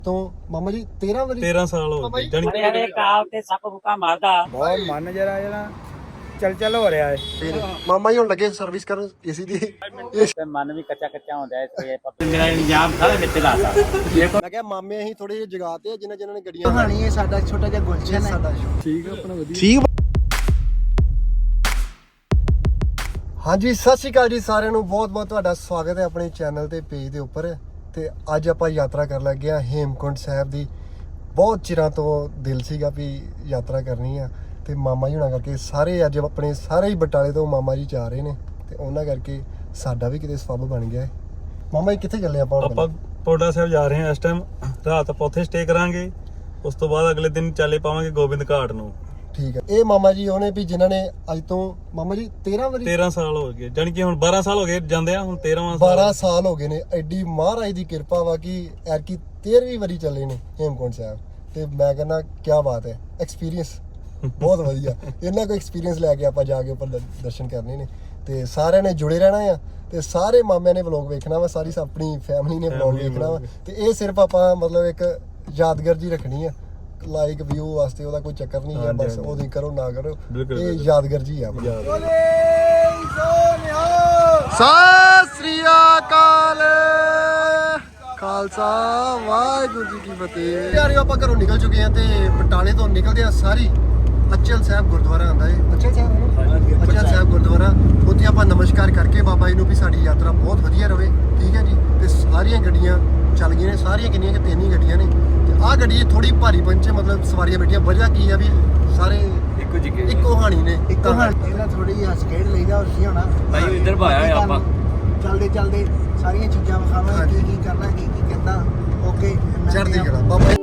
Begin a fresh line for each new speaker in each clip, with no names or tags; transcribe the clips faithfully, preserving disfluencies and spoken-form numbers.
ਤੋਂ ਮਾਮਾ ਜੀ ਤੇਰਾਂ ਵਾਰੀ
ਤੇਰਾਂ ਸਾਲ ਹੋ ਗਏ ਜਾਨੀ
ਅਰੇ ਅਰੇ ਕਾਲ ਤੇ ਸੱਪ ਫੁਕਾ ਮਾਰਦਾ
ਬਹੁਤ ਮਨ ਜਰਾ ਜਰਾ ਚਲ ਚਲ ਹੋ ਰਿਹਾ ਹੈ।
ਮਾਮਾ ਜੀ ਹੁਣ ਲੱਗੇ ਸਰਵਿਸ ਕਰਨ ਏਸੀ ਦੀ।
ਤੇ ਮਨ ਵੀ ਕੱਚਾ ਕੱਚਾ ਹੁੰਦਾ ਇਸ ਤੇ ਮੇਰਾ ਇੰਜਾਮ ਸਾਰਾ ਵਿੱਚ ਲਾਤਾ
ਮੈਂ ਕਿਹਾ ਮਾਮੇ ਅਸੀਂ ਥੋੜੇ ਜਿਹੇ ਜਗਾਤੇ ਆ ਜਿਨ੍ਹਾਂ ਜਿਨ੍ਹਾਂ ਨੇ ਗੱਡੀਆਂ
ਕਹਾਣੀ ਹੈ ਸਾਡਾ ਛੋਟਾ ਜਿਹਾ ਗੁਲਸ਼ਨ ਹੈ
ਸਾਡਾ
ਠੀਕ ਹੈ ਆਪਣਾ ਵਧੀਆ
ਠੀਕ। ਹਾਂਜੀ ਸਤਿ ਸ਼੍ਰੀ ਅਕਾਲ ਜੀ ਸਾਰਿਆਂ ਨੂੰ, ਬਹੁਤ ਬਹੁਤ ਤੁਹਾਡਾ ਸਵਾਗਤ ਹੈ ਆਪਣੇ ਚੈਨਲ ਤੇ ਪੇਜ ਦੇ ਉੱਪਰ। ਤੇ ਅੱਜ ਆਪਾਂ ਯਾਤਰਾ ਕਰਨ ਲੱਗੇ ਆ ਹੇਮਕੁੰਟ ਸਾਹਿਬ ਦੀ। ਬਹੁਤ ਚਿਰਾਂ ਤੋਂ ਦਿਲ ਸੀਗਾ ਵੀ ਯਾਤਰਾ ਕਰਨੀ ਆ, ਤੇ ਮਾਮਾ ਜੀ ਹੁਣਾਂ ਕਰਕੇ ਸਾਰੇ ਅੱਜ ਆਪਣੇ ਸਾਰੇ ਹੀ ਬਟਾਲੇ ਤੋਂ ਮਾਮਾ ਜੀ ਜਾ ਰਹੇ ਨੇ, ਤੇ ਉਹਨਾਂ ਕਰਕੇ ਸਾਡਾ ਵੀ ਕਿਤੇ ਸਬੱਬ ਬਣ ਗਿਆ ਹੈ। ਮਾਮਾ ਜੀ ਕਿੱਥੇ ਚੱਲੇ ਆਪਾਂ?
ਆਪਾਂ ਪੌੜਾ ਸਾਹਿਬ ਜਾ ਰਹੇ ਹਾਂ ਇਸ ਟਾਈਮ। ਰਾਤ ਆਪਾਂ ਉੱਥੇ ਸਟੇ ਕਰਾਂਗੇ, ਉਸ ਤੋਂ ਬਾਅਦ ਅਗਲੇ ਦਿਨ ਚੱਲੇ ਪਾਵਾਂਗੇ ਗੋਬਿੰਦ ਘਾਟ ਨੂੰ।
ਠੀਕ ਹੈ। ਇਹ ਮਾਮਾ ਜੀ ਉਹਨੇ ਵੀ ਜਿਨ੍ਹਾਂ ਨੇ ਅੱਜ ਤੋਂ ਮਾਮਾ ਜੀ ਤੇਰਾਂ ਵਾਰੀ
ਤੇਰਾਂ ਸਾਲ ਹੋ ਗਏ, ਜਾਨੀ ਕਿ ਹੁਣ ਬਾਰਾਂ ਸਾਲ ਹੋ ਗਏ ਜਾਂਦੇ ਆ, ਹੁਣ ਤੇਰ੍ਹਵਾਂ
ਬਾਰਾਂ ਸਾਲ ਹੋ ਗਏ ਨੇ। ਐਡੀ ਮਹਾਰਾਜ ਦੀ ਕਿਰਪਾ ਵਾ ਕਿ ਐਰਕੀ ਤੇਰ੍ਹਵੀਂ ਵਾਰੀ ਚੱਲੇ ਨੇ ਹੇਮਕੁੰਟ ਸਾਹਿਬ। ਤੇ ਮੈਂ ਕਹਿੰਦਾ ਕੀ ਬਾਤ ਹੈ, ਐਕਸਪੀਰੀਅੰਸ ਬਹੁਤ ਵਧੀਆ। ਇਹਨਾਂ ਕੋਈ ਐਕਸਪੀਰੀਅੰਸ ਲੈ ਕੇ ਆਪਾਂ ਜਾ ਕੇ ਉੱਪਰ ਦਰਸ਼ਨ ਕਰਨੇ ਨੇ, ਤੇ ਸਾਰਿਆਂ ਨੇ ਜੁੜੇ ਰਹਿਣਾ ਆ, ਤੇ ਸਾਰੇ ਮਾਮਿਆਂ ਨੇ ਵਲੌਗ ਵੇਖਣਾ ਵਾ, ਸਾਰੀ ਆਪਣੀ ਫੈਮਿਲੀ ਨੇ ਵਲੌਗ ਵੇਖਣਾ ਵਾ। ਤੇ ਇਹ ਸਿਰਫ ਆਪਾਂ ਮਤਲਬ ਇੱਕ ਯਾਦਗਾਰ ਜੀ ਰੱਖਣੀ ਆ, ਲਾਈਕ ਵਿਊ ਵਾਸਤੇ। ਉਹਦਾ ਕੋਈ ਚੱਕਰ ਨਹੀਂ ਹੈ, ਬਸ ਉਹਦੀ ਕਰੋ ਨਾ ਕਰੋ, ਇਹ ਯਾਦਗਾਰ ਜੀ ਆ। ਸਤਿ ਸ੍ਰੀ ਅਕਾਲ, ਖਾਲਸਾ ਵਾਹਿਗੁਰੂ ਜੀ ਕੀ ਫਤਿਹ। ਯਾਰ ਆਪਾਂ ਘਰੋਂ ਨਿਕਲ ਚੁੱਕੇ ਆ, ਤੇ ਬਟਾਲੇ ਤੋਂ ਨਿਕਲਦੇ ਆ ਸਾਰੀ ਅਚਲ ਸਾਹਿਬ ਗੁਰਦੁਆਰਾ ਆਉਂਦਾ ਹੈ। ਅਚਲ ਸਾਹਿਬ ਅਚਲ ਸਾਹਿਬ ਗੁਰਦੁਆਰਾ, ਉੱਥੇ ਆਪਾਂ ਨਮਸਕਾਰ ਕਰਕੇ ਬਾਬਾ ਜੀ ਨੂੰ ਵੀ ਸਾਡੀ ਯਾਤਰਾ ਬਹੁਤ ਵਧੀਆ ਰਵੇ। ਠੀਕ ਹੈ ਜੀ। ਤੇ ਸਾਰੀਆਂ ਗੱਡੀਆਂ ਚੱਲ ਗਈਆਂ ਨੇ, ਸਾਰੀਆਂ ਕਿੰਨੀਆਂ ਕਿ ਤਿੰਨ ਹੀ ਗੱਡੀਆਂ ਨੇ। ਤੇ ਆਹ ਗੱਡੀ ਥੋੜੀ ਭਾਰੀ ਪੰਚੇ, ਮਤਲਬ ਸਵਾਰੀਆਂ ਬੈਠੀਆਂ। ਵਜ੍ਹਾ ਕੀ ਆ ਵੀ ਸਾਰੇ
ਇੱਕੋ ਜਿਹਾ
ਇੱਕੋ ਹਾਣੀ ਨੇ।
ਇੱਕੋ ਹਾਂ ਇਹਨਾਂ ਥੋੜੀ ਜਿਹੀ ਹੱਸ ਖੇਡ ਲਈਦਾ ਹੋਰ ਕੀ ਹੋਣਾ।
ਭਾਈ ਇੱਧਰ ਭਾਇਆ ਆਪਾਂ
ਚਲਦੇ ਚਲਦੇ ਸਾਰੀਆਂ ਚੀਜ਼ਾਂ ਵਿਖਾਵਾਂਗੇ, ਕੀ ਕੀ ਕਰਨਾ ਕੀ ਕੀ ਕਿੱਦਾਂ। ਓਕੇ
ਚੜ੍ਹਦੀ ਕਲਾ ਬਾਬਾ।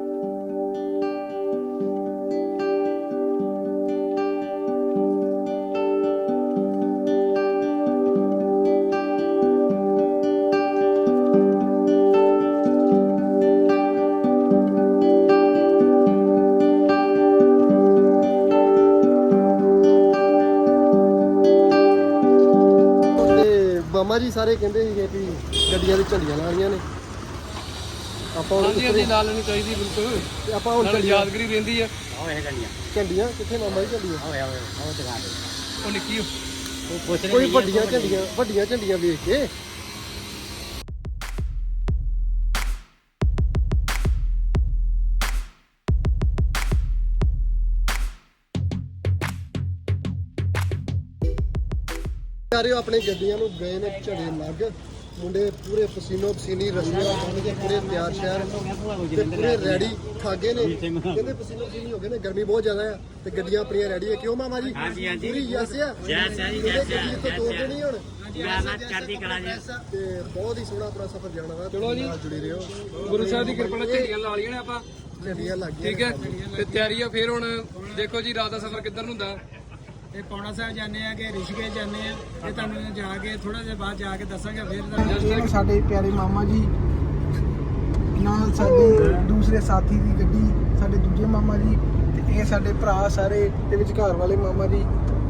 ਮਾਮਾ ਜੀ ਸਾਰੇ ਕਹਿੰਦੇ ਸੀਗੇ ਵੀ ਗੱਡੀਆਂ ਦੇ ਝੰਡੀਆਂ ਲਾਉਣੀਆਂ ਨੇ। ਆਪਾਂ ਹੁਣ
ਹਾਂਜੀ ਹਾਂਜੀ ਲਾ ਲੈਣੀ ਚਾਹੀਦੀ ਬਿਲਕੁਲ,
ਤੇ ਆਪਾਂ ਹੁਣ
ਨਾਲ
ਝੰਡੀਆਂ
ਯਾਦਗਰੀ ਰਹਿੰਦੀ ਆ।
ਉਹ ਇਹ ਗੱਡੀਆਂ
ਝੰਡੀਆਂ ਕਿੱਥੇ ਮਾਮਾ ਜੀ? ਝੰਡੀਆਂ
ਓਏ ਓਏ ਉਹ ਦੁਕਾਨ ਤੇ
ਉਹ ਨਿੱਕੀ
ਉਹ ਪੁੱਛ
ਕੋਈ ਵੱਡੀਆਂ ਝੰਡੀਆਂ, ਵੱਡੀਆਂ ਝੰਡੀਆਂ ਵੇਖ ਕੇ। ਯਾਰਿਓ ਆਪਣੇ ਗੱਡੀਆਂ ਨੂੰ ਗਏ ਨੇ ਝੜੇ ਲੱਗ, ਮੁੰਡੇ ਪੂਰੇ ਪਸੀਨੋ ਪਸੀਨੀ ਰਸਮੀਆਂ ਬਣ ਕੇ ਪੂਰੇ ਤਿਆਰ ਸ਼ਹਿਰ ਤੇ ਪੂਰੇ ਰੈਡੀ ਖਾਗੇ ਨੇ। ਕਹਿੰਦੇ ਪਸੀਨੋ ਪਸੀਨੀ ਹੋ ਗਏ ਨੇ, ਗਰਮੀ ਬਹੁਤ ਜ਼ਿਆਦਾ ਆ। ਤੇ ਗੱਡੀਆਂ ਆਪਣੀਆਂ ਰੈਡੀ ਹੈ, ਕਿਉਂ ਮਾਮਾ ਜੀ?
ਹਾਂਜੀ ਹਾਂਜੀ
ਪੂਰੀ ਯਸ ਆ।
ਯਸ ਆ ਜੀ,
ਇਹਦੇ
ਯਸ ਆ।
ਗੱਡੀ ਤੋਂ ਦੋ ਦਿਨ ਹੀ ਹੁਣ,
ਮੈਂ ਚੜ੍ਹਦੀ ਕਲਾ ਜੀ।
ਤੇ ਬਹੁਤ ਹੀ ਸੋਹਣਾ ਆਪਣਾ ਸਫ਼ਰ ਜਾਣਾ ਵਾ।
ਚਲੋ ਜੀ।
ਨਾਲ ਜੁੜੇ ਰਹੋ।
ਗੁਰੂ ਸਾਹਿਬ ਦੀ ਕਿਰਪਾ ਨਾਲ ਝੰਡੀਆਂ ਲਾ ਲਈਆਂ ਨੇ ਆਪਾਂ,
ਝੰਡੀਆਂ ਲੱਗ ਗਈਆਂ
ਠੀਕ ਹੈ। ਤੇ ਤਿਆਰੀ ਆ ਫਿਰ ਹੁਣ ਦੇਖੋ ਜੀ ਰਾਤ ਦਾ ਸਫ਼ਰ ਕਿੱਧਰ ਨੂੰ ਹੁੰਦਾ।
ਇਹ ਪੌੜਾ ਸਾਹਿਬ ਜਾਂਦੇ ਆ ਕਿ ਰਿਸ਼ੀਕੇਸ਼ ਜਾਂਦੇ ਆ, ਇਹ ਤੁਹਾਨੂੰ ਜਾ ਕੇ ਥੋੜਾ ਜਿਹਾ ਬਾਅਦ ਜਾ ਕੇ ਦੱਸਾਂਗੇ। ਫਿਰ ਸਾਡੇ ਪਿਆਰੇ ਮਾਮਾ ਜੀ ਨਾਲ ਸਾਡੇ ਦੂਸਰੇ ਸਾਥੀ ਦੀ ਗੱਡੀ, ਸਾਡੇ ਦੂਜੇ ਮਾਮਾ ਜੀ, ਤੇ ਇਹ ਸਾਡੇ ਭਰਾ ਸਾਰੇ ਤੇ ਵਿਚਕਾਰ ਵਾਲੇ ਮਾਮਾ ਜੀ।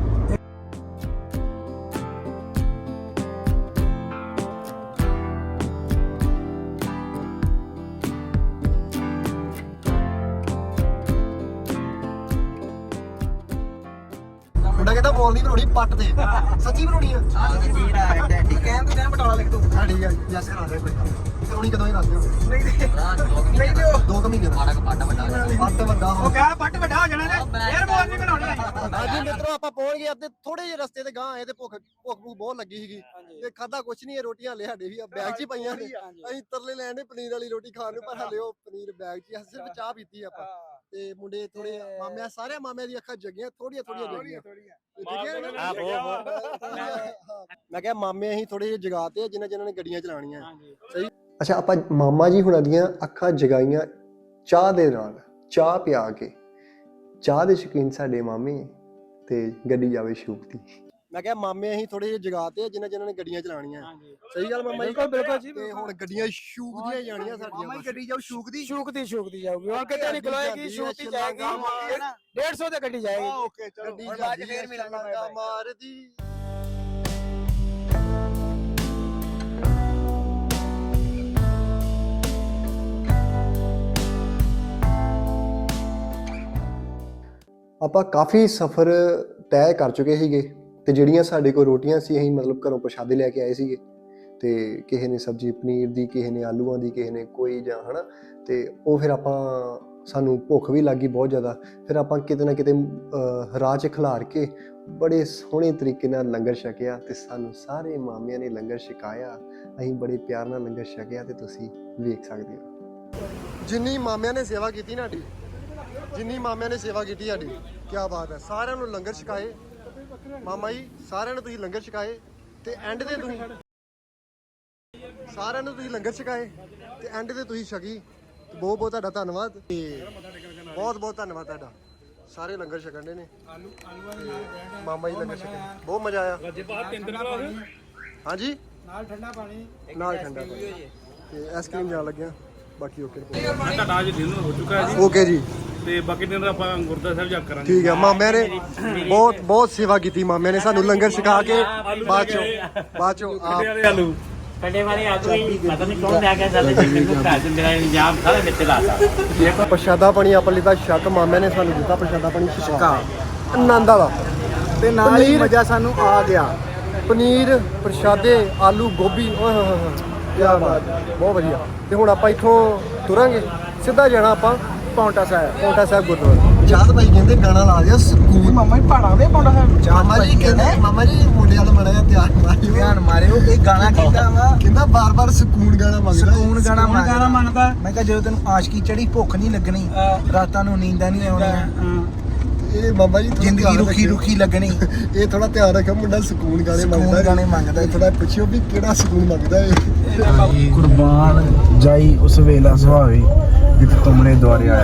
ਮੁੰਡਾ ਕਹਿੰਦਾ ਬੋਲ ਨਹੀਂ ਬਣਾਉਣੀ, ਪੱਟ ਦੇ। ਸੱਚੀ ਬਣਾਉਣੀ ਆ?
ਕਹਿਣ ਤੋਂ ਜਾਂ ਬਟਾਲਾ ਲਿਖ ਦੋ।
ਹਾਂ ਠੀਕ ਆ, ਯਸ ਕਰਾ ਦੇ ਕੋਈ। ਕਰਾਉਣੀ ਕਦੋਂ ਹੀ ਦੱਸ ਦਿਓ।
ਨਹੀਂ ਦੇ ਨਹੀਂ ਦਿਓ।
ਦੋ ਕੁ ਮਹੀਨੇ ਦਾ ਪੱਟ ਵੱਡਾ ਪੱਟ ਵੱਡਾ ਹੋ।
ਕਹ ਪੱਟ ਵੱਡਾ ਹੋ ਜਾਣਾ ਨੇ, ਫੇਰ ਬੋਲ ਨਹੀਂ ਬਣਾਉਣੀ।
ਹਾਂਜੀ ਮਿੱਤਰੋ, ਆਪਾਂ ਪਹੁੰਚ ਗਏ ਅੱਧੇ ਥੋੜੇ ਜਿਹੇ ਰਸਤੇ ਤੇ ਗਾਂ ਆਏ, ਤੇ ਭੁੱਖ ਭੁੱਖ ਭੁੱਖ ਬਹੁਤ ਲੱਗੀ ਸੀਗੀ। ਤੇ ਖਾਦਾ ਕੁਛ ਨਹੀਂ, ਰੋਟੀਆਂ ਹਲੇ ਸਾਡੇ ਵੀ ਬੈਗ 'ਚ ਹੀ ਪਈਆਂ ਨੇ। ਅਸੀਂ ਤਰਲੇ ਲੈਣ ਦੇ ਪਨੀਰ ਵਾਲੀ ਰੋਟੀ ਖਾਣ ਨੂੰ, ਪਰ ਹਲੇ ਉਹ ਪਨੀਰ ਬੈਗ 'ਚ ਹੀ। ਸਿਰਫ ਚਾਹ ਪੀਤੀ ਆਪਾਂ। ਤੇ ਮੁੰਡੇ ਥੋੜੇ ਮਾਮਿਆਂ, ਸਾਰੇ ਮਾਮਿਆਂ ਦੀ ਅੱਖਾਂ ਜਗੀਆਂ, ਥੋੜੀਆਂ ਥੋੜੀਆਂ ਜਗੀਆਂ। ਮੈਂ ਕਿਹਾ ਮਾਮੇ ਅਸੀਂ ਥੋੜੇ ਜਿਹੇ ਜਗਾਤੇ ਆ ਜਿਨ੍ਹਾਂ ਜਿਨ੍ਹਾਂ ਨੇ ਗੱਡੀਆਂ ਚਲਾਉਣੀਆਂ। ਸਹੀ। ਅੱਛਾ, ਆਪਾਂ ਮਾਮਾ ਜੀ ਹੁਣਾਂ ਦੀਆਂ ਅੱਖਾਂ ਜਗਾਈਆਂ ਚਾਹ ਦੇ ਨਾਲ, ਚਾਹ ਪਿਆ ਕੇ। ਚਾਹ ਦੇ ਸ਼ੌਕੀਨ ਸਾਡੇ ਮਾਮੇ, ਤੇ ਗੱਡੀ ਜਾਵੇ ਸ਼ੂਕਦੀ। ਮੈਂ ਕਿਹਾ ਮਾਮੇ ਅਸੀਂ ਥੋੜੇ ਜਿਹੇ ਜਗਾਤੇ ਆ ਜਿਨ੍ਹਾਂ ਜਿਨ੍ਹਾਂ ਨੇ ਗੱਡੀਆਂ ਚਲਾਉਣੀਆਂ। ਸਹੀ ਗੱਲ ਮਾਮਾ ਜੀ?
ਬਿਲਕੁਲ ਜੀ।
ਤੇ ਹੁਣ ਗੱਡੀਆਂ ਸ਼ੂਕਦੀਆਂ ਜਾਣੀਆਂ ਸਾਡੀਆਂ।
ਮਾਮਾ ਗੱਡੀ ਜਾਊ ਸ਼ੂਕਦੀ
ਸ਼ੂਕਦੀ ਸ਼ੂਕਦੀ ਜਾਊਗੀ, ਹੁਣ ਕਿਤੇ ਨਹੀਂ ਖਲੋਏਗੀ, ਸ਼ੂਕਦੀ ਜਾਏਗੀ। ਡੇਢ ਸੌ ਤੇ ਗੱਡੀ ਜਾਏਗੀ।
ਓਕੇ ਚਲੋ, ਗੱਡੀ ਜਾਂਦੀ ਫੇਰ ਮਿਲਾਂਗਾ ਮਾਰਦੀ। ਆਪਾਂ ਕਾਫੀ ਸਫ਼ਰ ਤੈਅ ਕਰ ਚੁੱਕੇ ਸੀਗੇ ਤੇ ਜਿਹੜੀਆਂ ਸਾਡੇ ਕੋਲ ਰੋਟੀਆਂ ਸੀ ਅਸੀਂ ਮਤਲਬ ਘਰੋਂ ਪ੍ਰਸ਼ਾਦੇ ਲੈ ਕੇ ਆਏ ਸੀਗੇ ਤੇ ਕਿਸੇ ਨੇ ਸਬਜ਼ੀ ਪਨੀਰ ਦੀ, ਕਿਸੇ ਨੇ ਆਲੂਆਂ ਦੀ, ਕਿਸੇ ਨੇ ਕੋਈ ਜਾਂ ਹਨਾ ਤੇ ਉਹ ਫਿਰ ਆਪਾਂ ਸਾਨੂੰ ਭੁੱਖ ਵੀ ਲੱਗ ਗਈ ਬਹੁਤ ਜ਼ਿਆਦਾ। ਫਿਰ ਆਪਾਂ ਕਿਤੇ ਨਾ ਕਿਤੇ ਰਾਹ 'ਚ ਖਿਲਾਰ ਕੇ ਬੜੇ ਸੋਹਣੇ ਤਰੀਕੇ ਨਾਲ ਲੰਗਰ ਛਕਿਆ ਤੇ ਸਾਨੂੰ ਸਾਰੇ ਮਾਮਿਆਂ ਨੇ ਲੰਗਰ ਛਕਾਇਆ। ਅਸੀਂ ਬੜੇ ਪਿਆਰ ਨਾਲ ਲੰਗਰ ਛਕਿਆ ਤੇ ਤੁਸੀਂ ਵੇਖ ਸਕਦੇ ਹੋ ਜਿੰਨੀ ਮਾਮਿਆਂ ਨੇ ਸੇਵਾ ਕੀਤੀ ਨਾ ਸਾਡੀ, ਜਿੰਨੀ ਮਾਮਿਆਂ ਨੇ ਸੇਵਾ ਕੀਤੀ ਸਾਡੀ, ਕੀ ਬਾਤ ਹੈ। ਸਾਰਿਆਂ ਨੂੰ ਲੰਗਰ ਛਕਾਏ ਮਾਮਾ ਜੀ, ਸਾਰਿਆਂ ਨੂੰ ਤੁਸੀਂ ਲੰਗਰ ਛਕਾਏ ਤੇ ਐਂਡ ਤੇ ਤੁਸੀਂ ਸਾਰਿਆਂ ਨੂੰ ਤੁਸੀਂ ਲੰਗਰ ਛਕਾਏ ਤੇ ਐਂਡ ਤੇ ਤੁਸੀਂ ਛਕੀ। ਬਹੁਤ ਬਹੁਤ ਤੁਹਾਡਾ ਧੰਨਵਾਦ ਤੇ ਬਹੁਤ ਬਹੁਤ ਧੰਨਵਾਦ ਤੁਹਾਡਾ। ਸਾਰੇ ਲੰਗਰ ਛਕਣ ਦੇ ਨੇ ਮਾਮਾ ਜੀ, ਲੰਗਰ ਛਕੇ ਬਹੁਤ ਮਜ਼ਾ ਆਇਆ। ਹਾਂਜੀ
ਨਾਲ ਠੰਡਾ ਪਾਣੀ,
ਨਾਲ ਠੰਡਾ ਪਾਣੀ ਤੇ ਆਈਸਕ੍ਰੀਮ ਜਾਣ ਲੱਗਿਆ। ਬਾਕੀ ਓਕੇ
ਮੈਂ ਤੁਹਾਡਾ ਅੱਜ ਡਿਨਰ ਹੋ ਚੁੱਕਾ ਹੈ ਜੀ
ਓਕੇ ਜੀ,
ਤੇ ਬਾਕੀ ਦਿਨ ਆਪਾਂ ਗੁਰਦੁਆਰਾ ਸਾਹਿਬ ਜਾ ਕਰਾਂਗੇ।
ਠੀਕ ਹੈ। ਮਾਮਿਆਂ ਨੇ ਬਹੁਤ ਬਹੁਤ ਸੇਵਾ ਕੀਤੀ, ਮਾਮਿਆਂ ਨੇ ਸਾਨੂੰ ਲੰਗਰ ਛਕਾ ਕੇ ਬਾਅਦ ਚੋਂ ਬਾਅਦ ਚੋਂ ਆਪ
ਆਲੂ
ਕੱਡੇ ਵਾਲੇ ਆਲੂ ਹੀ ਪਤਾ ਨਹੀਂ ਕੌਣ ਲੈ ਕੇ ਚੱਲੇ ਜੀ ਮੈਨੂੰ ਘਰ ਚ ਮੇਰਾ ਇੰਤਜ਼ਾਮ ਸਾਰਾ ਵਿੱਚ ਲਾਤਾ।
ਪ੍ਰਸ਼ਾਦਾ ਪਾਣੀ ਆਪਾਂ ਲਿੱਤਾ ਛਕ, ਮਾਮਿਆਂ ਨੇ ਸਾਨੂੰ ਦਿੱਤਾ ਪ੍ਰਸ਼ਾਦਾ ਪਾਣੀ ਛਕਾ ਆਨੰਦ ਵਾਲਾ
ਤੇ ਨਾਲ ਹੀ ਮਜ਼ਾ ਸਾਨੂੰ ਆ ਗਿਆ।
ਪਨੀਰ, ਪ੍ਰਸ਼ਾਦੇ, ਆਲੂ ਗੋਭੀ, ਓਏ ਹੋਏ ਹੋਏ ਕੀ ਬਾਤ, ਬਹੁਤ ਵਧੀਆ। ਤੇ ਹੁਣ ਆਪਾਂ ਇੱਥੋਂ ਤੁਰਾਂਗੇ, ਸਿੱਧਾ ਜਾਣਾ ਆਪਾਂ
ਪੌਂਟਾ ਸਾਹਿਬ,
ਪੌਂਟਾ ਸਾਹਿਬ ਗੁਰਦੁਆਰਾ। ਚਾਹਤ ਭਾਈ ਕਹਿੰਦੇ ਗਾਣਾ ਲਾ ਦਿਓ ਸਕੂਨ।
ਮਾਮਾ ਜੀ ਪਹਾੜਾਂ ਦੇ ਪੌਂਟਾ ਸਾਹਿਬ।
ਮਾਮਾ ਜੀ ਕਹਿੰਦੇ, ਮਾਮਾ ਜੀ ਮੁੰਡੇ ਵਾਲਾ ਮੜਾ ਜਿਹਾ ਧਿਆਨ ਮਾਰਿਓ,
ਧਿਆਨ ਮਾਰਿਓ। ਇਹ ਗਾਣਾ ਕਹਿੰਦਾ ਵਾ,
ਕਹਿੰਦਾ ਬਾਰ ਬਾਰ ਸਕੂਨ ਗਾਣਾ ਮੰਗਦਾ।
ਸਕੂਨ ਗਾਣਾ ਗਾਣਾ ਮੰਗਦਾ। ਮੈਂ ਕਿਹਾ ਜਦੋਂ ਤੈਨੂੰ ਆਸ਼ਕੀ ਚੜੀ, ਭੁੱਖ ਨਹੀਂ ਲੱਗਣੀ, ਰਾਤਾਂ ਨੂੰ ਨੀਂਦਾਂ ਨਹੀਂ ਆਉਣੀਆਂ,
ਇਹ ਮਾਮਾ ਜੀ
ਜ਼ਿੰਦਗੀ ਰੁੱਖੀ ਰੁੱਖੀ ਲੱਗਣੀ।
ਇਹ ਥੋੜਾ ਧਿਆਨ ਰੱਖੋ, ਮੁੰਡਾ ਸਕੂਨ ਗਾਣੇ ਮੰਗਦਾ।
ਸਕੂਨ ਗਾਣੇ ਮੰਗਦਾ।
ਥੋੜਾ ਪੁੱਛਿਓ ਵੀ ਕਿਹੜਾ ਸਕੂਨ ਮੰਗਦਾ ਹੈ।
ਕੁਰਬਾਨ ਜਾਈ ਉਸ ਵੇਲਾ ਸੁਹਾਵੇ ਜਿਤ ਤੁਮਨੇ ਦੁਆਰੇ ਆਇਆ।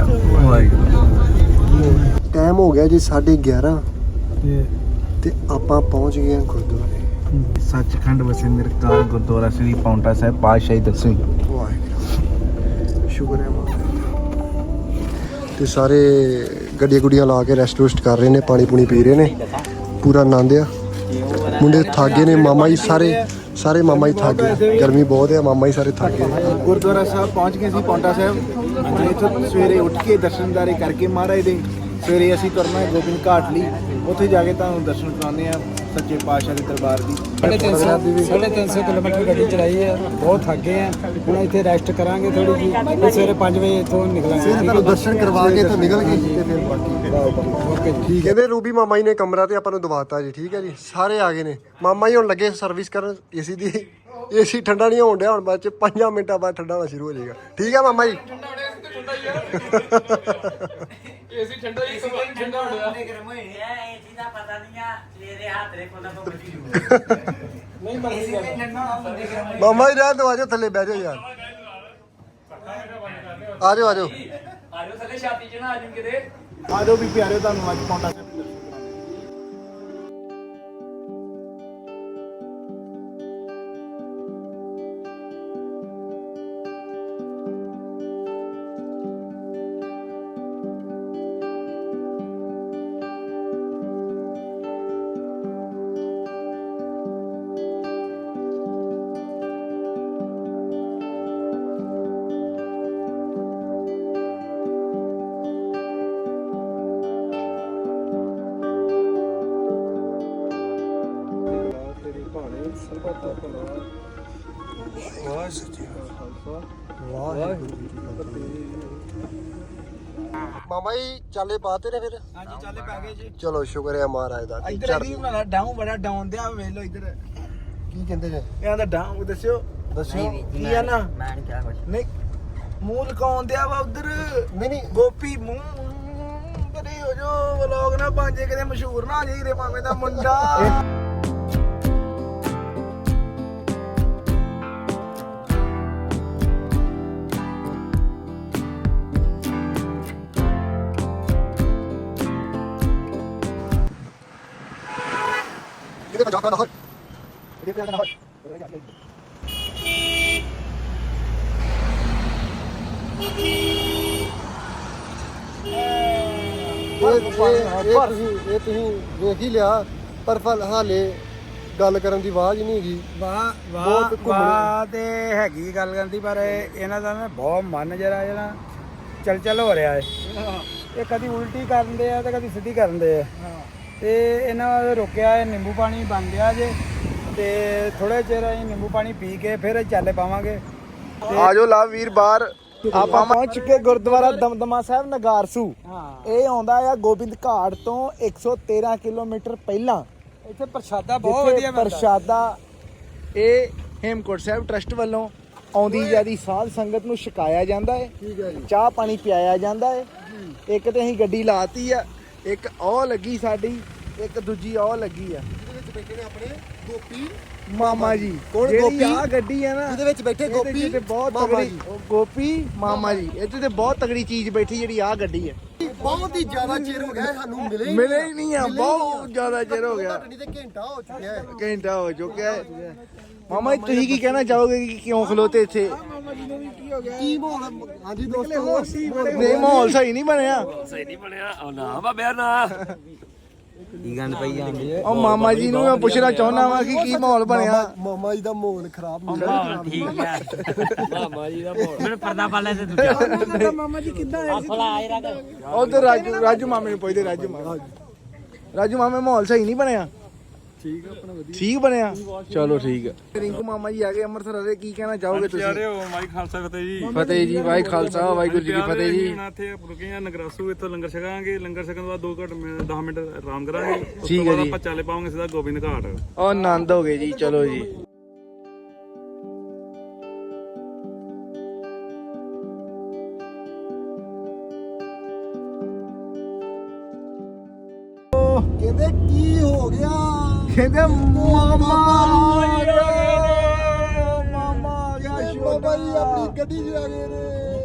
ਟਾਈਮ ਹੋ ਗਿਆ ਜੀ ਸਾਢੇ ਗਿਆਰਾਂ ਤੇ ਆਪਾਂ ਪਹੁੰਚ ਗਏ ਹਾਂ ਗੁਰਦੁਆਰੇ।
ਸੱਚਖੰਡ ਵਸੇ ਨਿਰਕਾਲ ਗੁਰਦੁਆਰਾ ਸ੍ਰੀ ਪੌਂਟਾ ਸਾਹਿਬ ਪਾਤਸ਼ਾਹੀ ਦਸਵੀਂ।
ਵਾਹਿਗੁਰੂ ਸ਼ੁਕਰ ਹੈ ਮਾਤਾ ਤੇ ਸਾਰੇ ਗੱਡੀਆਂ ਗੁੱਡੀਆਂ ਲਾ ਕੇ ਰੈਸਟ ਰੁਸਟ ਕਰ ਰਹੇ ਨੇ, ਪਾਣੀ ਪੂਣੀ ਪੀ ਰਹੇ ਨੇ, ਪੂਰਾ ਆਨੰਦ ਆ। ਮੁੰਡੇ ਥੱਕ ਗਏ ਨੇ, ਮਾਮਾ ਜੀ ਸਾਰੇ ਸਾਰੇ ਮਾਮਾ ਜੀ ਥੱਕ ਗਏ, ਗਰਮੀ ਬਹੁਤ ਹੈ, ਮਾਮਾ ਜੀ ਸਾਰੇ ਥੱਕ ਗਏ।
ਗੁਰਦੁਆਰਾ ਸਾਹਿਬ ਪਹੁੰਚ ਗਏ ਸੀ ਪੌਂਟਾ ਸਾਹਿਬ। ਇੱਥੋਂ ਸਵੇਰੇ ਉੱਠ ਕੇ ਦਰਸ਼ਨਦਾਰੇ ਕਰਕੇ ਮਹਾਰਾਜ ਦੇ ਸਵੇਰੇ ਅਸੀਂ ਤੁਰਨਾ ਹੈ ਗੋਬਿੰਦ ਘਾਟ ਲਈ। ਉੱਥੇ ਜਾ ਕੇ ਤੁਹਾਨੂੰ ਦਰਸ਼ਨ ਕਰਾਉਂਦੇ ਆ ਸੱਚੇ ਪਾਤਸ਼ਾਹ ਦੇ ਦਰਬਾਰ ਦੀ।
ਸਾਢੇ ਤਿੰਨ ਸੌ ਕਿਲੋਮੀਟਰ ਗੱਡੀ ਚਲਾਈ ਹੈ, ਬਹੁਤ ਥੱਕ ਗਏ ਆ। ਹੁਣ ਇੱਥੇ ਰੈਸਟ ਕਰਾਂਗੇ ਥੋੜੀ ਜੀ, ਫਿਰ ਸਵੇਰੇ ਪੰਜ ਵਜੇ ਇੱਥੋਂ ਨਿਕਲਾਂਗੇ।
ਤੁਹਾਨੂੰ ਦਰਸ਼ਨ ਕਰਵਾ ਕੇ ਇੱਥੋਂ ਨਿਕਲ ਗਏ ਤੇ ਫਿਰ ਬਾਕੀ ਓਕੇ ਠੀਕ ਹੈ। ਇਹਦੇ ਰੂਬੀ ਮਾਮਾ ਜੀ ਨੇ ਕਮਰਾ ਤੇ ਆਪਾਂ ਨੂੰ ਦਵਾਤਾ ਜੀ। ਠੀਕ ਹੈ ਜੀ, ਸਾਰੇ ਆ ਗਏ ਨੇ। ਮਾਮਾ ਜੀ ਹੁਣ ਲੱਗੇ ਸਰਵਿਸ ਕਰਨ ਏਸੀ ਦੀ। ਏਸੀ ਠੰਡਾ ਨਹੀਂ ਹੋਣ ਡਿਆ, ਹੁਣ ਬਾਅਦ ਚ ਪੰਜਾਂ ਮਿੰਟਾਂ ਬਾਅਦ ਠੰਡਾ ਹੋਣਾ ਸ਼ੁਰੂ ਹੋ ਜਾਏਗਾ। ਠੀਕ ਹੈ ਮਾਮਾ ਜੀ।
ਏਸੀ ਠੰਡਾ ਹੀ ਸਮਾਨ ਠੰਡਾ ਹੋ ਗਿਆ।
ਏਸੀ ਦਾ ਪਤਾ ਨਹੀਂ ਆ ਸਵੇਰੇ ਹੱਥ ਦੇ ਕੋਲ ਤੋਂ ਬੱਜੀ
ਨਹੀਂ ਮਰਜ਼ੀ ਕਰ।
ਮਾਮਾ ਜੀ ਰਹਿਣ ਦਿਓ, ਆਜੋ ਥੱਲੇ ਬਹਿ ਜਾਓ ਯਾਰ। ਆਜੋ ਆਜੋ
ਆਜੋ ਥੱਲੇ ਛਾਤੀ ਚ ਨਾ ਆਜੂ ਕਿਤੇ।
ਆ ਜਾਓ ਵੀ ਪਿਆਰਿਓ, ਤੁਹਾਨੂੰ ਅੱਜ ਪੌਂਟਾ ਸਾਹਿਬ ਦੇ ਦਰਸ਼ਨ
ਮਾਮਾ ਜੀ ਚਾਲੇ ਪਾਤੇ ਨੇ ਫਿਰ।
ਹਾਂਜੀ ਚੱਲੇ ਪੈ ਗਏ ਜੀ।
ਚਲੋ ਸ਼ੁਕਰ ਹੈ ਮਹਾਰਾਜ ਦਾ।
ਇੱਧਰ ਇਹਦੀ ਬਣਾਣਾ ਡਾਊਨ ਬੜਾ ਡਾਊਨ ਦਿਆ ਵੇਖ ਲਓ ਇੱਧਰ।
ਕੀ ਕਹਿੰਦੇ ਨੇ
ਇਹਨਾਂ ਦਾ ਡਾਊਨ ਦੱਸਿਓ ਦੱਸਿਓ ਕੀ ਆ ਨਾ।
ਮੈਂ ਨਹੀਂ ਕਿਹਾ ਕੁਝ।
ਨਹੀਂ ਮੂੰਹ ਲਕਾਉਣ ਦਿਆ ਵਾ ਉਧਰ।
ਨਹੀਂ ਨਹੀਂ
ਗੋਪੀ ਮੂੰਹ ਕਦੇ ਹੋ ਜੋ ਵਲੋਗ ਨਾ ਬਣ ਜੇ, ਕਦੇ ਮਸ਼ਹੂਰ ਨਾ ਹੋ ਜਾਈ ਰੇ ਮਾਮੇ ਦਾ ਮੁੰਡਾ।
ਇਹਦੇ ਪੰਜਾਬ ਦਾ ਹਰ ਇਹਦੇ ਪੰਜਾਬ ਦਾ ਹਰ ਇਹ ਤੁਸੀਂ ਇਹ ਤੁਸੀਂ ਵੇਖ ਹੀ ਲਿਆ, ਪਰ ਫਲ ਹਾਲੇ ਗੱਲ ਕਰਨ ਦੀ ਆਵਾਜ਼ ਨਹੀਂ ਹੈਗੀ।
ਵਾਹ
ਬਹੁਤ
ਵਾਹ
ਘੁੰਮਣੇ।
ਵਾਹ ਤੇ ਹੈਗੀ ਗੱਲ ਕਰਨ ਦੀ, ਪਰ ਇਹਨਾਂ ਦਾ ਨਾ ਬਹੁਤ ਮਨ ਜਰਾ ਜਿਹੜਾ ਚਲ ਚਲ ਹੋ ਰਿਹਾ ਹੈ। ਇਹ ਕਦੀ ਉਲਟੀ ਕਰਦੇ ਆ ਤੇ ਕਦੀ ਸਿੱਧੀ ਕਰਦੇ ਆ ਤੇ ਇਹਨਾਂ ਨੇ ਰੋਕਿਆ ਹੈ। ਨਿੰਬੂ ਪਾਣੀ ਬਣ ਗਿਆ ਜੇ ਤੇ ਥੋੜੇ ਚਿਰ ਅਸੀਂ ਨਿੰਬੂ ਪਾਣੀ ਪੀ ਕੇ ਫਿਰ ਚਾਲੇ ਪਾਵਾਂਗੇ।
ਆਜੋ ਲਵ ਵੀਰ ਬਾਹਰ ਆਪਾਂ ਪਹੁੰਚ ਚੁੱਕੇ ਗੁਰਦੁਆਰਾ ਦਮਦਮਾ ਸਾਹਿਬ ਨਗਾਰਸੂ। ਇਹ ਆਉਂਦਾ ਆ ਗੋਬਿੰਦ ਘਾਟ ਤੋਂ ਇੱਕ ਸੌ ਤੇਰਾਂ ਕਿਲੋਮੀਟਰ ਪਹਿਲਾਂ।
ਇੱਥੇ ਪ੍ਰਸ਼ਾਦਾ ਬਹੁਤ ਵਧੀਆ ਮਿਲਦਾ।
ਪ੍ਰਸ਼ਾਦਾ ਇਹ ਹੇਮਕੋਟ ਸਾਹਿਬ ਟਰਸਟ ਵੱਲੋਂ ਆਉਂਦੀ ਜਾਂਦੀ ਸਾਧ ਸੰਗਤ ਨੂੰ ਛਕਾਇਆ ਜਾਂਦਾ ਹੈ।
ਠੀਕ ਹੈ ਜੀ।
ਚਾਹ ਪਾਣੀ ਪਿਆਇਆ ਜਾਂਦਾ ਹੈ। ਇੱਕ ਤੇ ਅਸੀਂ ਗੱਡੀ ਲਾਤੀ ਆ, ਇੱਕ ਉਹ ਲੱਗੀ ਸਾਡੀ, ਇੱਕ ਦੂਜੀ ਉਹ ਲੱਗੀ ਆ।
ਇਹਦੇ ਵਿੱਚ ਬੈਠੇ ਨੇ ਆਪਣੇ ਗੋਪੀ
ਮਾਮਾ ਜੀ।
ਕੌਣ
ਜਿਹੜੀ
ਗੋਪੀ?
ਆਹ ਗੱਡੀ ਹੈ ਨਾ
ਜਿਹਦੇ ਵਿੱਚ ਬੈਠੇ
ਇਹਦੇ
ਗੋਪੀ
ਤੇ ਬਹੁਤ
ਮਾਮਾ
ਤਗੜੀ
ਜੀ।
ਉਹ ਗੋਪੀ ਮਾਮਾ ਜੀ। ਇਹਦੇ ਤੇ ਬਹੁਤ ਤਗੜੀ ਚੀਜ਼ ਬੈਠੀ ਜਿਹੜੀ ਆਹ ਗੱਡੀ ਹੈ।
ਬਹੁਤ ਹੀ ਜ਼ਿਆਦਾ ਚਿਰ ਹੋ ਗਿਆ ਸਾਨੂੰ ਮਿਲੇ
ਮਿਲੇ ਹੀ ਨਹੀਂ ਆ, ਬਹੁਤ ਜ਼ਿਆਦਾ ਚਿਰ ਹੋ ਗਿਆ।
ਘੱਟ ਨਹੀਂ ਤੇ ਘੰਟਾ ਹੋ ਚੁੱਕਿਆ ਹੈ।
ਘੰਟਾ ਹੋ ਚੁੱਕਿਆ ਹੈ। ਮਾਮਾ ਜੀ ਤੁਸੀਂ ਕੀ ਕਹਿਣਾ ਚਾਹੋਗੇ ਕਿ ਕਿਉਂ ਖਲੋਤੇ ਇੱਥੇ?
ਕੀ ਮਾਹੌਲ? ਹਾਂਜੀ ਦੋਸਤੋ,
ਨਹੀਂ ਮਾਹੌਲ ਸਹੀ ਨਹੀਂ ਬਣਿਆ।
ਕੀ ਗੰਦ ਪਈ ਜਾਂਦੀ ਹੈ।
ਉਹ ਮਾਮਾ ਜੀ ਨੂੰ ਮੈਂ ਪੁੱਛਣਾ ਚਾਹੁੰਦਾ ਵਾਂ ਕਿ ਕੀ ਮਾਹੌਲ ਬਣਿਆ।
ਮਾਮਾ ਜੀ ਦਾ ਮਾਹੌਲ ਖਰਾਬ ਨਹੀਂ
ਠੀਕ ਹੈ ਮਾਮਾ ਜੀ ਦਾ ਮੈਨੂੰ ਪਰਦਾ ਪਾ ਲੈ ਤੇ ਦੂਜਾ
ਮਾਮਾ ਜੀ ਕਿੱਦਾਂ ਆਏ ਸੀ?
ਫਲਾ ਆਏ ਰੱਖ
ਉਧਰ ਰਾਜੂ ਰਾਜੂ ਮਾਮੇ ਨੂੰ ਪੁੱਛਦੇ। ਰਾਜੂ ਮਾਮਾ ਰਾਜੂ ਮਾਮੇ ਮਾਹੌਲ ਸਹੀ ਨਹੀਂ ਬਣਿਆ। ਠੀਕ ਆ ਆਪਣਾ ਵਧੀਆ ਠੀਕ ਬਣਿਆ। ਚਲੋ ਠੀਕ ਆ। ਰਿੰਕੂ ਮਾਮਾ ਜੀ ਆ ਗਏ ਅੰਮ੍ਰਿਤਸਰ ਵਾਲੇ, ਕੀ ਕਹਿਣਾ ਚਾਹੋਗੇ ਤੁਸੀਂ?
ਯਾਰੇ ਵਾਹਿ ਖਾਲਸਾ ਫਤਿਹ ਜੀ।
ਫਤਿਹ ਜੀ। ਵਾਹਿ ਖਾਲਸਾ ਵਾਹਿਗੁਰੂ ਜੀ ਕੀ ਫਤਿਹ ਜੀ।
ਹੁਣ ਇੱਥੇ ਰੁਕੇ ਆ ਨਗਰਾਸੂ, ਇੱਥੋਂ ਲੰਗਰ ਛਕਾਂਗੇ। ਲੰਗਰ ਛਕਣ ਤੋਂ ਬਾਅਦ ਦੋ ਘੰਟੇ ਦਸ ਮਿੰਟ ਆਰਾਮ ਕਰਾਂਗੇ। ਉਸ
ਠੀਕ
ਤੋਂ
ਹੈ
ਬਾਅਦ
ਜੀ।
ਆਪਾਂ ਚਾਲੇ ਪਾਵਾਂਗੇ ਸਿੱਧਾ ਗੋਬਿੰਦ ਘਾਟ।
ਉਹ ਆਨੰਦ ਹੋ ਗਏ ਜੀ। ਚਲੋ ਜੀ।
ਕਹਿੰਦੇ ਕੀ ਹੋ ਗਿਆ?
ਕਹਿੰਦੇ ਮਾਮਾ ਆ ਗਿਆ। ਮਾਮਾ ਆ ਗਿਆ।
ਕਹਿੰਦੇ ਬਾਬਾ ਜੀ ਆਪਣੀ ਗੱਡੀ 'ਚ ਆ ਗਏ ਨੇ।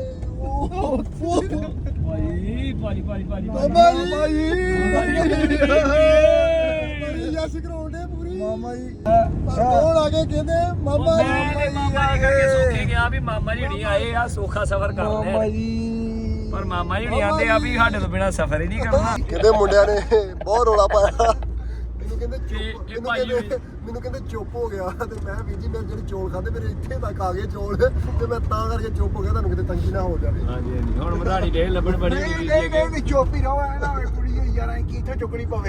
ਭਾਈ ਭਾਈ ਭਾਈ ਭਾਈ
ਬਾਬਾ ਜੀ
ਮਾਮਾ ਜੀ।
ਬੜੀ ਯਸ ਕਰਾਉਂਦੇ ਪੂਰੀ।
ਮਾਮਾ ਜੀ।
ਪਰ ਕੌਣ ਆ ਗਏ? ਕਹਿੰਦੇ ਮਾਮਾ ਜੀ।
ਮੈਂ ਮਾਮਾ ਜੀ ਕਰਕੇ ਸੋਚੇ ਗਿਆ ਵੀ ਮਾਮਾ ਜੀ ਨਹੀਂ ਆਏ ਆ, ਸੌਖਾ ਸਫ਼ਰ ਕਰਦੇ
ਮਾਮਾ
ਆ।
ਜੀ।
ਪਰ ਮਾਮਾ ਜੀ ਨਹੀਂ ਆਂਦੇ ਆ ਵੀ ਸਾਡੇ ਤੋਂ ਬਿਨਾ ਸਫ਼ਰ ਹੀ ਨਹੀਂ ਕਰਨਾ।
ਕਹਿੰਦੇ ਮੁੰਡਿਆਂ ਨੇ ਬਹੁਤ ਰੋਲਾ ਪਾਇਆ। ਮੈਨੂੰ ਕਹਿੰਦੇ
ਇਹ- ਇਹ
ਚੁੱਪ ਮੈਨੂੰ
ਭਾਈ
ਕਹਿੰਦੇ ਮੈਨੂੰ ਕਹਿੰਦੇ ਚੁੱਪ ਹੋ ਗਿਆ ਤੇ ਮੈਂ ਵੀਰ ਜੀ ਮੇਰੇ ਜਿਹੜੇ ਚੌਲ ਖਾਦੇ ਮੇਰੇ ਇੱਥੇ ਤੱਕ ਆ ਗਏ ਚੌਲ ਤੇ ਮੈਂ ਤਾਂ ਕਰਕੇ ਚੁੱਪ ਹੋ ਗਿਆ, ਤੁਹਾਨੂੰ ਕਿਤੇ ਤੰਗੀ ਨਾ ਹੋ ਜਾਵੇ।
ਹਾਂਜੀ ਹਾਂਜੀ ਹੁਣ ਮਧਾਣੀ ਦੇ ਲੱਭਣ ਬੜੀ
ਨਹੀਂ ਨਹੀਂ ਨਹੀਂ ਨਹੀਂ ਚੁੱਪ ਹੀ ਰਹੋ। ਐ ਨਾ ਹੋਵੇ ਕੁੜੀ ਹੋਈ ਯਾਰਾਂ ਕੀ ਇੱਥੋਂ ਚੁੱਕਣੀ ਪਵੇ।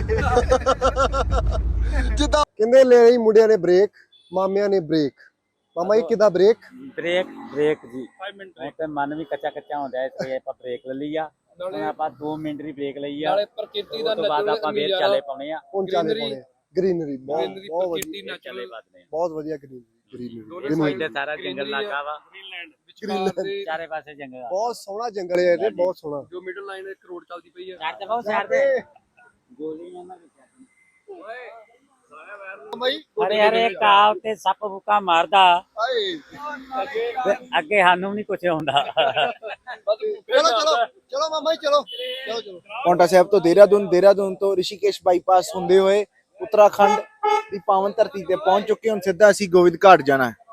ਜਿੱਦਾਂ ਕਹਿੰਦੇ ਲੈ ਲਈ ਮੁੰਡਿਆਂ ਨੇ ਬ੍ਰੇਕ, ਮਾਮਿਆਂ ਨੇ ਬ੍ਰੇਕ। ਮਾਮਾ ਜੀ ਕਿੱਦਾਂ ਬ੍ਰੇਕ?
ਬ੍ਰੇਕ ਬ੍ਰੇਕ ਜੀ ਹੁਣ ਤੇ ਮਨ ਵੀ ਕੱਚਾ ਕੱਚਾ ਹੁੰਦਾ ਇਸ ਲਈ ਆਪਾਂ ਬ੍ਰੇਕ ਲੈ ਲਈ ਆ। ਹੁਣ ਆਪਾਂ ਦੋ ਮਿੰਟ ਦੀ ਬ੍ਰੇਕ ਲਈ ਆ। ਨਾਲੇ ਪ੍ਰਕਿਰਤੀ ਦਾ ਬਾਅਦ ਆਪਾਂ ਫੇਰ ਚਾਲੇ ਪਾਉਣੇ ਆ।
ਹੁਣ ਚਾਲੇ ਪਾਉਣੇ ਗ੍ਰੀਨਰੀ ਬਹੁਤ ਬਹੁਤ ਵਧੀਆ,
ਚਾਲੇ ਬਾਦਨੇ ਆ।
ਬਹੁਤ ਵਧੀਆ ਗ੍ਰੀਨਰੀ
ਇਹ ਸਾਈਡ ਸਾਰਾ ਜੰਗਲ ਇਲਾਕਾ ਵਾ,
ਗ੍ਰੀਨਰੀ
ਚਾਰੇ ਪਾਸੇ ਜੰਗਲ ਆ।
ਬਹੁਤ ਸੋਹਣਾ ਜੰਗਲ ਹੈ ਇਹ, ਬਹੁਤ ਸੋਹਣਾ।
ਜੋ ਮਿਡਲ ਲਾਈਨ ਇੱਕ ਰੋਡ ਚੱਲਦੀ ਪਈ ਆ।
ਛੱਡ ਦੇ ਬਹੁਤ ਛੱਡ ਦੇ ਗੋਲੀਆਂ ਨਾ ਹਰੇ ਹਰੇ ਕਾਵ ਤੇ ਸੱਪ ਬੁੱਕਾ ਮਾਰਦਾ
ਹਾਏ
ਤੇ ਅੱਗੇ ਸਾਨੂੰ ਨਹੀਂ ਕੁਝ ਹੁੰਦਾ।
ਚਲੋ ਚਲੋ ਚਲੋ ਮਾਮਾ ਜੀ ਚਲੋ ਚਲੋ ਚਲੋ।
ਪੌਂਟਾ ਸਾਹਿਬ ਤੋਂ ਦੇਹਰਾਦੂਨ, ਦੇਹਰਾਦੂਨ ਤੋਂ ਰਿਸ਼ੀਕੇਸ਼ ਬਾਈਪਾਸ ਹੁੰਦੇ ਹੋਏ ਉੱਤਰਾਖੰਡ ਦੀ ਪਾਵਨ ਧਰਤੀ ਤੇ ਪਹੁੰਚ ਚੁੱਕੇ। ਹੁਣ ਸਿੱਧਾ ਅਸੀਂ ਗੋਬਿੰਦ ਘਾਟ ਜਾਣਾ ਹੈ।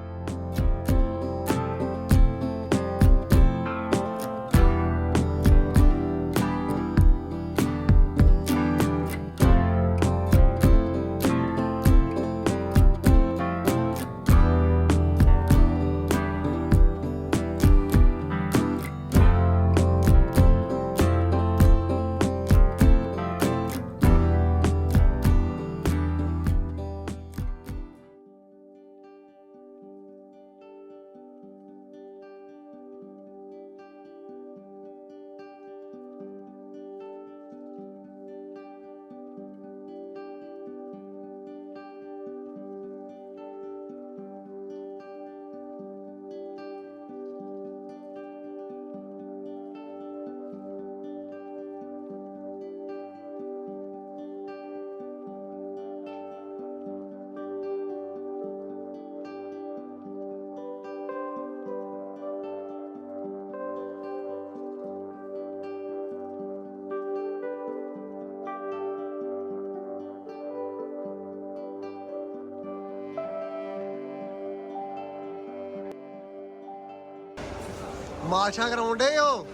ਮਾਰਸ਼ਾਂ ਕਰਾਉਂਦੇ ਹੋ?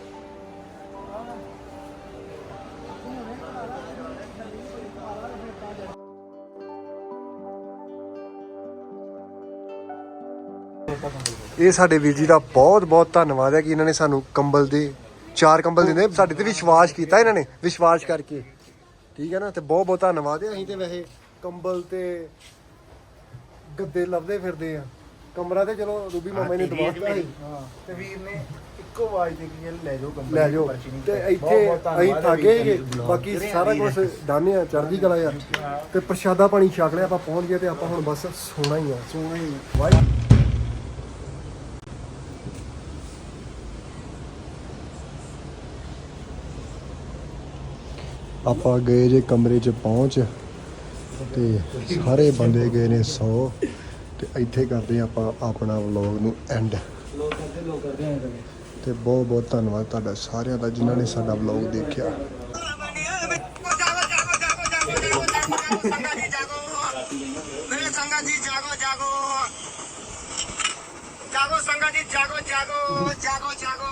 ਇਹ ਸਾਡੇ ਵੀਰ ਜੀ ਦਾ ਬਹੁਤ ਬਹੁਤ ਧੰਨਵਾਦ ਹੈ ਕਿ ਇਹਨਾਂ ਨੇ ਸਾਨੂੰ ਕੰਬਲ ਦੇ ਚਾਰ ਕੰਬਲ ਦਿੰਦੇ ਸਾਡੇ ਤੇ ਵਿਸ਼ਵਾਸ ਕੀਤਾ ਇਹਨਾਂ ਨੇ ਵਿਸ਼ਵਾਸ ਕਰਕੇ ਠੀਕ ਹੈ ਨਾ ਤੇ ਬਹੁਤ ਬਹੁਤ ਧੰਨਵਾਦ ਹੈ ਅਸੀਂ ਤੇ ਵੈਸੇ ਕੰਬਲ ਤੇ ਗੱਦੇ ਲੱਭਦੇ ਫਿਰਦੇ ਆ ਕਮਰਾ ਤੇ ਚਲੋ ਰੂਬੀ ਮਾਮਾ ਨੇ ਦਵਾਤਾ ਸੀ
ਹਾਂ ਤੇ ਵੀਰ ਨੇ ਇੱਕੋ ਆਵਾਜ਼ ਦੇ ਕੇ ਲੈ ਜਾਓ ਕੰਪਨੀ
ਲੈ ਜਾਓ ਤੇ ਇੱਥੇ ਅਸੀਂ ਥਾਗੇ ਗਏ ਬਾਕੀ ਸਾਰਾ ਕੁਝ ਦਾਨੇ ਆ ਚੜ੍ਹਦੀ ਕਲਾ ਯਾਰ ਤੇ ਪ੍ਰਸ਼ਾਦਾ ਪਾਣੀ ਛਕ ਲਿਆ ਆਪਾਂ ਪਹੁੰਚ ਗਏ ਤੇ ਆਪਾਂ ਹੁਣ ਬਸ ਸੋਣਾ ਹੀ ਆ
ਸੋਹਣਾ ਹੀ
ਵਾਹ ਆਪਾਂ ਗਏ ਜੇ ਕਮਰੇ 'ਚ ਪਹੁੰਚ ਤੇ ਸਾਰੇ ਬੰਦੇ ਗਏ ਨੇ ਸੌ ਤੇ ਇੱਥੇ ਕਰਦੇ ਆਪਾਂ ਆਪਣਾ ਵਲੌਗ ਨੂੰ ਐਂਡ ਤੇ ਬਹੁਤ ਬਹੁਤ ਧੰਨਵਾਦ ਤੁਹਾਡਾ ਸਾਰਿਆਂ ਦਾ ਜਿਨ੍ਹਾਂ ਨੇ ਸਾਡਾ ਵਲੌਗ ਦੇਖਿਆ
ਮੇਰੇ ਸੰਗਾ ਜੀ ਜਾਗੋ ਜਾਗੋ ਜਾਗੋ ਸੰਗਾ ਜੀ ਜਾਗੋ ਜਾਗੋ ਜਾਗੋ ਜਾਗੋ